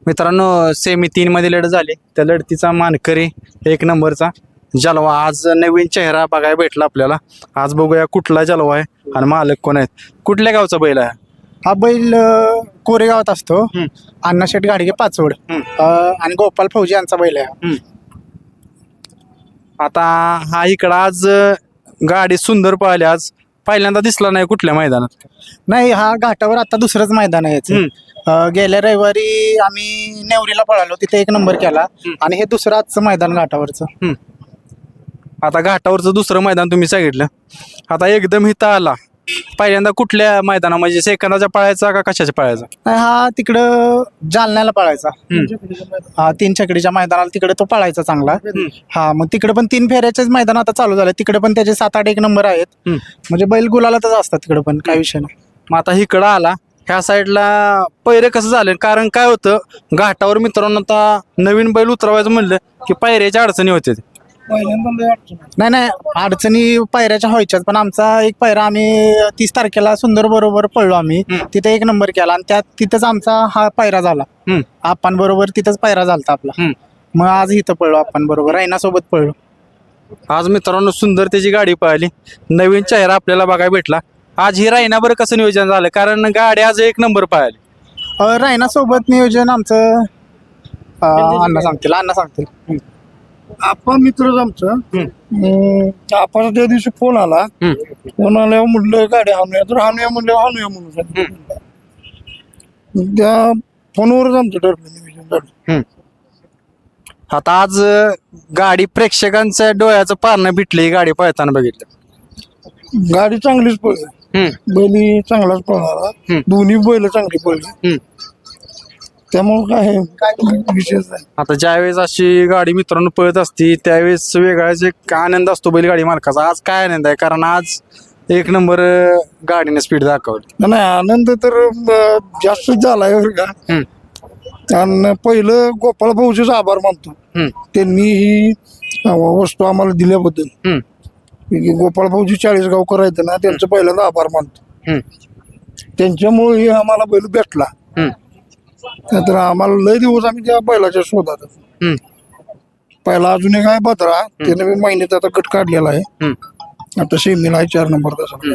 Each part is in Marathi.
मित्रांनो सेमी 3 मध्ये लढत झाली. त्या लढतीचा मानकरी 1 नंबरचा जलवा. आज नवीन चेहरा बघायला भेटला आपल्याला. आज बघूया कुठला जलवा आहे आणि मालक कोण आहेत. कुठल्या गावचा बैल आहे हा बैल कोरेगावात असतो. अण्णाशेठ गाडगे पाचवड आणि गोपाल फौजी यांचा बैल आहे. आता हा इकडं आज गाडी सुंदर पळाली. आज पहिल्यांदा दिसला नाही कुठल्या मैदानात. नाही, हा घाटावर आता दुसरंच मैदान आहे याचं. गेल्या रविवारी आम्ही नेवरीला पळालो, तिथे 1 नंबर केला आणि हे दुसरं आजचं मैदान घाटावरचं. आता घाटावरचं दुसरं मैदान तुम्ही सांगितलं. आता एकदम इथं आला पहिल्यांदा कुठल्या मैदाना म्हणजे सेकंदाच्या पळायचा का कशाच्या पळायचा. नाही, हा तिकडं जालन्याला पळायचा. हा 3 छकडीच्या मैदानाला तिकडे तो पळायचा चांगला. हा मग तिकडे पण 3 फेऱ्याचेच मैदान आता चालू झाले. तिकडे पण त्याचे 7-8 1 नंबर आहेत. म्हणजे बैल गुलालातच असतात तिकडे पण, काही विषय नाही. मग आता इकडं आला ह्या साईडला पैरे कसं झाले. कारण काय होतं घाटावर मित्रांनो आता नवीन बैल उतरवायचं म्हणलं की पायऱ्याच्या अडचणी होते. नाही, अडचणी पायऱ्याच्या व्हायच्याच. पण आमचा एक पायरा आम्ही 30 तारखेला सुंदर बरोबर पळलो आम्ही. तिथे 1 नंबर केला आणि तिथंच आमचा हा पायरा झाला. आपण बरोबर तिथंच पायरा झालता आपला. मग आज इथं पळलो आपण बरोबर रायना सोबत पळलो. आज मित्रांनो सुंदर त्याची गाडी पळाली. नवीन चेहरा आपल्याला बघायला भेटला. आज ही रायना बरं कसं नियोजन झालं कारण गाडी आज 1 नंबर पळाली. रायना सोबत नियोजन आमचं अण्णा सांगतील. आपण मित्रच आमचं. आपण त्या दिवशी फोन आल्यावर म्हटलं गाडी हाणूया, तर हाणूया म्हणून त्या फोनवरच आमचं ठरलं नियोजन झालं. आता आज गाडी प्रेक्षकांच्या डोळ्याचं पारणं भेटली. गाडी पळताना बघितलं. गाडी चांगलीच पळली. बैली चांगलाच पळणारा. दोन्ही बैल चांगली पळली. त्यामुळे काय विशेष नाही. आता ज्यावेळेस अशी गाडी मित्रांनो पळत असती त्यावेळेस वेगळाच एक आनंद असतो बैलगाडी मालकाचा. आज काय आनंद आहे कारण आज 1 नंबर गाडीने स्पीड दाखवली. नाही, आनंद तर जास्तच झालाय बरं का. आणि पहिलं गोपाळ भाऊचेच आभार मानतो. त्यांनी ही वस्तू आम्हाला दिल्याबद्दल. गोपाळ भाऊजी 40 गावकर आहेत ना, त्यांचं पहिल्यांदा आभार मानतो. त्यांच्यामुळे आम्हाला बैल भेटला. तर आम्हाला लय दिवस आम्ही त्या बैलाच्या शोधात. पहिला अजून एक आहे भद्रा, त्याने मी महिन्यात आता गट काढलेला आहे. आता सेमीला आहे 4 नंबर तसा.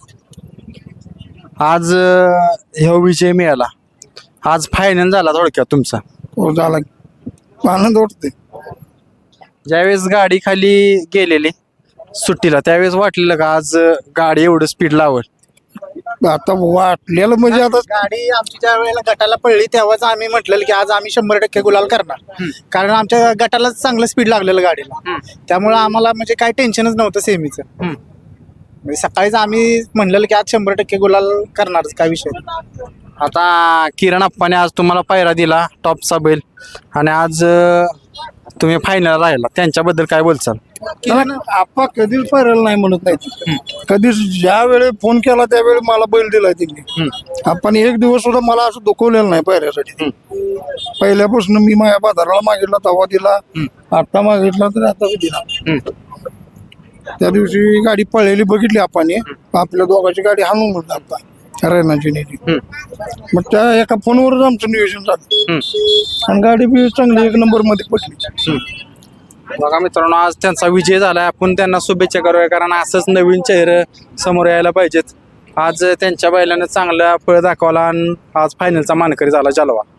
आज ह्या विजय मिळाला. आज फायनल झाला थोडक्यात तुमचा. तो झाला आनंद वाटते. ज्यावेळेस गाडी खाली गेलेली सुट्टीला त्यावेळेस वाटलेलं का आज गाडी एवढं स्पीड लावल. आता वाटलेलं म्हणजे आता गाडी आमची ज्या वेळेला गटाला पडली तेव्हाच आम्ही म्हटलेलं की आज आम्ही 100% गुलाल करणार. कारण आमच्या गटाला चांगलं स्पीड लागलेलं गाडीला. त्यामुळे आम्हाला म्हणजे काही टेन्शनच नव्हतं सेमीचं. म्हणजे सकाळीच आम्ही म्हणलेलं की आज 100% गुलाल करणारच, काय विषय नाही. आता किरण अप्पाने आज तुम्हाला पायरा दिला टॉपचा बैल आणि आज तुम्ही फायनल राहिला. त्यांच्याबद्दल काय बोलचाल. आप्पा कधीच पाहिलं नाही म्हणत नाही. कधीच ज्या वेळी फोन केला त्यावेळी मला बैल दिलाय त्यांनी. आपण एक दिवस सुद्धा मला असं दुखवलेलं नाही पायऱ्यासाठी. पहिल्यापासून मी माझ्या बाजाराला मागितला तेव्हा दिला, आता मागितला तर आता दिला. त्या दिवशी गाडी पळलेली बघितली आपण. आपल्या दोघांची गाडी हाणून म्हणलं आता रायनाची नेली. मग त्या एका फोनवरच आमचं नियोजन झालं आणि गाडी बी चांगली 1 नंबर मध्ये पडली. बघा मित्रांनो आज त्यांचा विजय झाला. आपण त्यांना शुभेच्छा करूया कारण असंच नवीन चेहरे समोर यायला पाहिजेत. आज त्यांच्या बैलाने चांगला पळ दाखवला आणि आज फायनलचा मानकरी झाला जलवा.